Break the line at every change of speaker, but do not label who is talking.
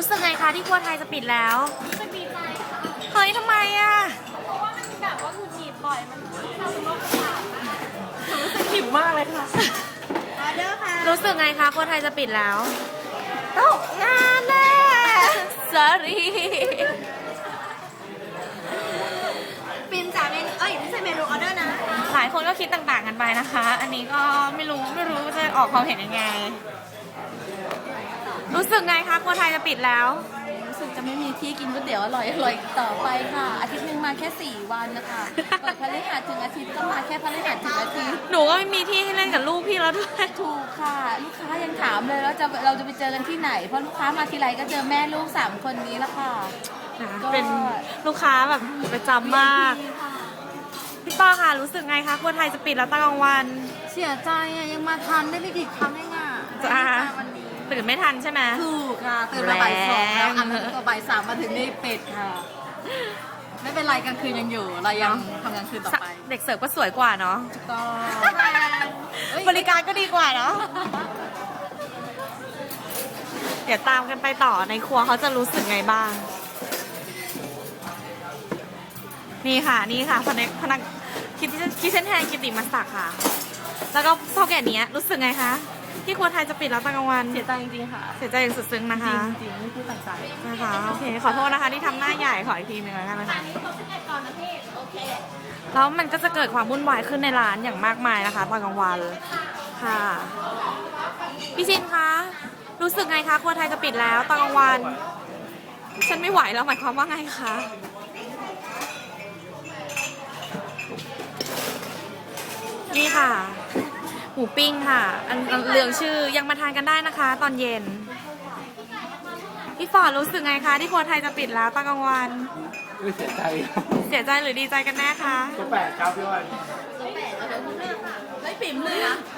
รู้สึกไงคะที่ครัวไทยจะปิดแล้ว
รู้สึกดีใจค่ะ
เฮ้ยทำไมอ่ะ
เพราะว่ามันแบบว่าหงุดหงิดบ่อยมันทำเป็นโรคประสาทรู้สึกหิวมากเลยค่ะออเดอร์ค่ะ
รู้สึกไงคะครัวไทยจะปิดแล้วตกงานแน่ sorry
ปินจ่าเมนูไม่ใช่เมนูออเดอร์นะ
หลายคนก็คิดต่างๆกันไปนะคะ อันนี้ก็ไม่รู้จะออกความเห็นยังไง รู้สึกไงคะครัวไทยจะปิดแล้ว
รู้สึกจะไม่มีที่กินก๋วยเตี๋ยวอร่อยต่อไปค่ะ อาทิตย์หนึ่งมาแค่4 วันนะคะเปิดพฤหัสถึงอาทิตย์ก็มาแค่พฤหัสถึงอาทิตย์
หนูก็ไม่มีที่ให้เล่นกับลูกพี่แล้วด้วย
ถูกค่ะ ลูกค้ายังถามเลยว่าเราจะไปเจอกันที่ไหน เพราะลูกค้ามาทีไรก็เจอแม่ลูก3 คนนี้ละค่ะ
เป็นลูกค้าแบบประจำมากพี่ป้าค่ะรู้สึกไงคะครัวไทยจะปิดแล้วตอนกลางวัน
เสียใจอ่ะยังมาทันได้ไม่กี่ครั้งเองอ่ะ
จ้า
วันนี้
ตื่นไม่ทันใช่ไหม
ถูกค่ะตื่นมาบ่าย 2แล้ว
แรง
อันนั้นก็บ่าย 3มาถึงนี่เป็ดค่ะ ไม่เป็นไรกลางคืนยังอยู่เรายังทำกลางคืนต่อไป
เด็กเสิร์ฟก็สวยกว่าเนาะ
ก็
บริการก็ดีกว่าเนาะเดี๋ยวตามกันไปต่อในครัวเขาจะรู้สึกไงบ้างนี่ค่ะพนักคิดเส้นแทนกิติมาศักดิ์ค่ะ แล้วก็เท่าแก่นี้รู้สึกไงคะที่ครัวไทยจะปิดแล้วตอนกลางวัน
เสียใจจริงๆค่ะ
เสียใจอย่างสุดซึ้งนะคะ
จริงๆไม่พูดต่างใจ
นะคะโอเคขอโทษนะคะที่ทำหน้าใหญ่ขออีกทีหนึ่งแล้วกันนะคะ
ก่อนนะพี่โอเค
แล้วมันก็จะเกิดความวุ่นวายขึ้นในร้านอย่างมากมายนะคะตอนกลางวันค่ะพี่ชินคะรู้สึกไงคะครัวไทยจะปิดแล้วตอนกลางวันฉันไม่ไหวแล้วหมายความว่าไงคะนี่ค่ะหมูปิ้งค่ะอันเหลืองชื่อยังมาทานกันได้นะคะ ตอนเย็นพี่ฟอร์ดรู้สึกไงคะที่ครัวไทยจะปิดแล้วตอนกลางวัน
เสียใจ
เสียใจหรือดีใจกันแน่คะ
ตัวแปดครับพี่อ้อย
ไม่ปิ่มเลยนะ